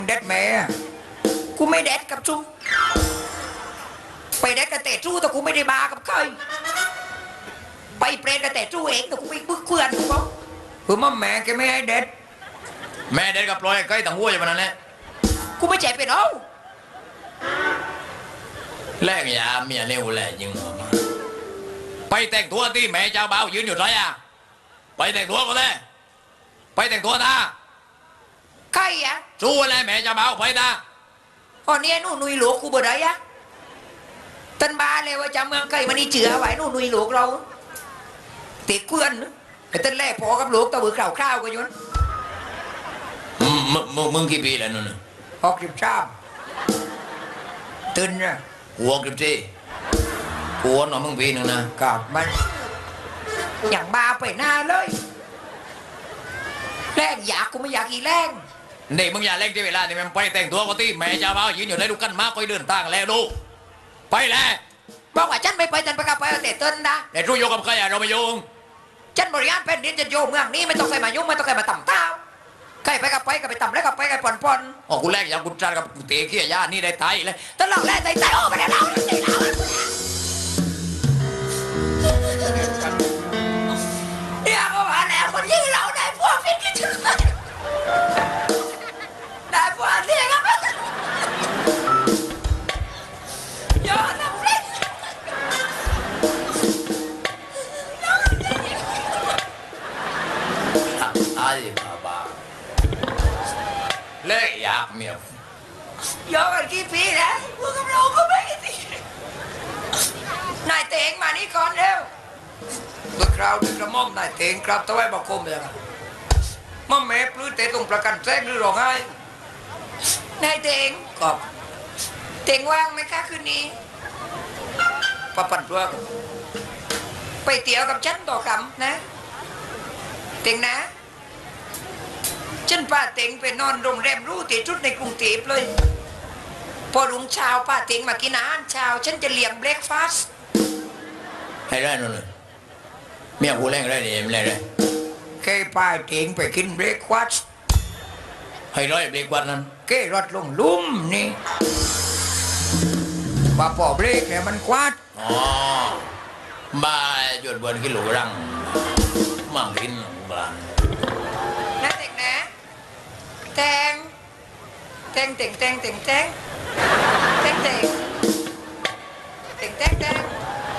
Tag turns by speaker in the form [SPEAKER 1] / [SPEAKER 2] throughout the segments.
[SPEAKER 1] เด็ดแม่กูไม่เด็ดกับชูไปเด็ดกับแต่ชูแต่กูไม่ได้บากับใครไปเปรตกับแต่ชูเองแต่กูไปบึกเพื่อนกูบอกคือมั่มแม่แกไม่ให้เด็ด
[SPEAKER 2] แม่เด็ดกับปล่อยใกล้ต่างหัวอย่างนั้นแหละ
[SPEAKER 1] กูไม่เจ็บเป็นเอา
[SPEAKER 2] แลกยาเมียเร็วแหละยิงไปแต่งตัวที่แม่เจ้าบ่าวยืนอยู่ไรอ่ะไปแต่งตัวก็เลยไปแต่งตัวนะ
[SPEAKER 1] ใครอะ
[SPEAKER 2] สู้อะไรแม่เจ้าบ่าวไปนะ
[SPEAKER 1] อ๋อเนี่ยนู่นนุยหลวงกูเบอร์ไหนอะตันบาเลยว่าจะเมืองใครมันนี่เจือไว้นู่นนุยหลวงเราติดเพื่อนไอ้ตันแรกพอกับหลวงตะบือข่าวข้าวก็ยุน
[SPEAKER 2] มึงกี่ปีแล้วนู่น
[SPEAKER 1] 63ตื่นนะ
[SPEAKER 2] หัวกี่ปีหัวหน่อมึงปีหนึ่งนะ
[SPEAKER 1] กับมันอย่างบาไปหน้าเลยแรงอยากกูไม่อยากอีแรง
[SPEAKER 2] นี่มึงอย่าเล่นที่เวลานี่มันไปแต่งตัวก็ที่แม่เจ้าบ่าวยืนอยู่ในลูกกันมาคอยเดินทางแล้วดูไปแล้ว
[SPEAKER 1] บอกว่าฉันไม่ไปฉันไปกับไปแต่ต้นนะ
[SPEAKER 2] แต่รู้โยกับใครอะเราไม่โยง
[SPEAKER 1] ฉันบริหารเป็นดินจะโยงเมืองนี้ไม่ต้องใครมายุ่งไม่ต้องใครมาต่ำเต้าใครไปกับไปกับไปต่ำแล้วกับไปกับผ่อน
[SPEAKER 2] อ๋อกูแรกอย่างกูจัดกับกูเตะเขี้ยย่านี่ได้ไทยเลย
[SPEAKER 1] ตลอดแรกใจโอ้ไปแล้วเราเนี่ยก็มาแล้วคนยิ่งเราได้พวกฟิตที่สุดได้พวกนี้ครับยอดนะฟิต
[SPEAKER 2] ไอ้บ้าเล่อยากเมีย
[SPEAKER 1] ยอกันกี่ปีแล้วพวกกับเราก็ไม่ตินายเตงมานี่ก่อนเร็วตัวคราวดึกระม่อมนายเตงครับตะไว้บอกคมเลยครับม่อมแม่ปลื้มเตะตรงประกันแจ้งหรือร้องไห้นายเตงกอบเตงว่างไหมคะคืนนี้ปะปั่นตัวไปเตี๋ยวกับฉันต่อคำนะเตงนะฉันป้าเต็งไปนอนโรงแรมรู้ที่ชุดในกรุงเทพเลยพอรุ่งเช้าป้าเต็งมากินอาหารเช้าฉันจะเลี้ยงเบรกฟาสต์
[SPEAKER 2] ให้ได้นู่นเลยเมียกูแรงได้เนี่ยไม่ได้
[SPEAKER 1] แค่ป้าเต็งไปกินเบรกฟาสต์
[SPEAKER 2] ให้ร้อยเบรกวันนั้น
[SPEAKER 1] แค่รถลงลุ่มนี่ป้าปอเบรกเนี่ยมันควาด
[SPEAKER 2] อ๋อบ้าหยุดบนกิโลรังมั่งกินบ้าน
[SPEAKER 1] นะเต็งนะแตงแตงแตงแตงแตงแตงแตงแตงแตงแตงแตง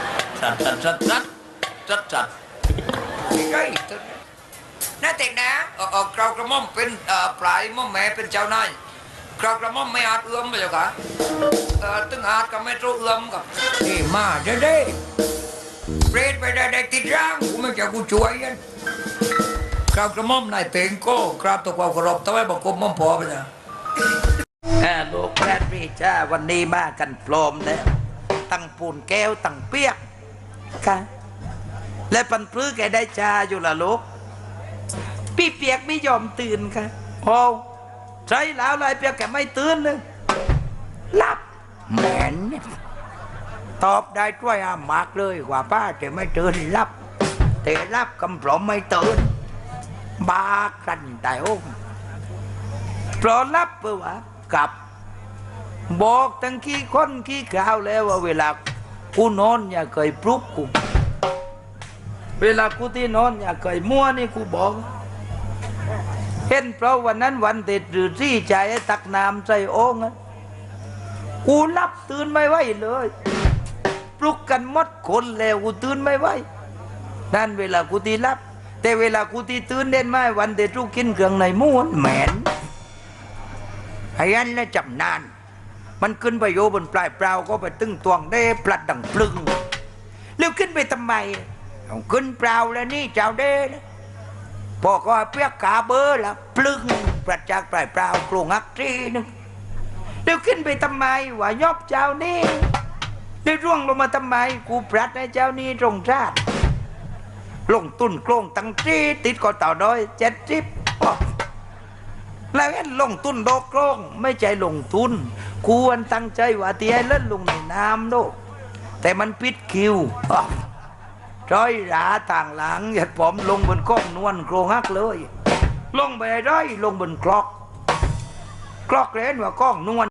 [SPEAKER 2] จัด
[SPEAKER 1] ใกล้ๆตัวนะเต็งนะกราวกระหม่อมเป็นปลายม่อมแม่เป็นเจ้านายกราวกระหม่อมไม่อาจเอื้อมไปเจ้าค่ะตึงอาจก็ไม่รู้เอื้อมกับนี่มาเด้เปรตไปได้ติดร่างกูไม่จะกูช่วยกันกราบกระหม่อมนายเต็งก็กราบตัวความเคารพตะไว้บอกกรมม่อมพอไปนะลูกแพทย์พี่จ้าวันนี้มากันพร้อมแล้วตั้งปูนแก้วตั้งเปียกค่ะและปันปลื้อแกได้จ้าอยู่ละลูกพี่เปียกไม่ยอมตื่นค่ะโอ้ใช่แล้วลายเปียกแกไม่ตื่นเลยหลับแหมนตอบได้ด้วยอามากเลยว่าป้าแต่ไม่ตื่นหลับแต่หลับกำปลอมไม่ตื่นบากันแต่โอ้ปลอลับเปล่าวะกับบอกตั้งขี้คนขี้ข่าวแล้วว่าเวลากูนอนอย่าเคยปลุกกูเวลากูที่นอนอย่าเคยมั่วนี่กูบอกเห็นเพราะวันนั้นวันเด็ดหรือที่ใจตักน้ำใส่โอ่งกูรับตื่นไม่ไหวเลยปลุกกันหมดคนแล้วกูตื่นไม่ไหวนั่นเวลากูที่รับแต่เวลากูที่ตื่นเด่นไม่วันเด็ดทุกกินเครื่องในม้วนแหมนไอ้ยันและจำนานมันขึ้นไปโยบนปลายเปล่าก็ไปตึงตวงได้ปลัดดังปลึงแล้วขึ้นไปทำไมเอาขึ้นเปล่าแล้วนี่เจ้าเด้นะพอก็เปียกขาเบอร์ละปลึงปลัดจากปลายเปล่ากลงอักทีนึงแล้วขึ้นไปทำไมว่ายอบเจ้านี่ได้ร่วงลงมาทำไมกูปลัดให้เจ้านี่ตรงชาติลงตุนโครงตั้งทีติดก็ต่อด้อย70แล้วเห็นลงทุนโดกโครงไม่ใจลงทุนควรตั้งใจว่าที่ให้เล่นลงในน้ำโดแต่มันปิดคิวร้อยราต่างหลังหยัดผมลงบนก้องนวลโครงฮักเลยลงไปร้อยลงบนคลอกกรอกเรนว่าก้องนวล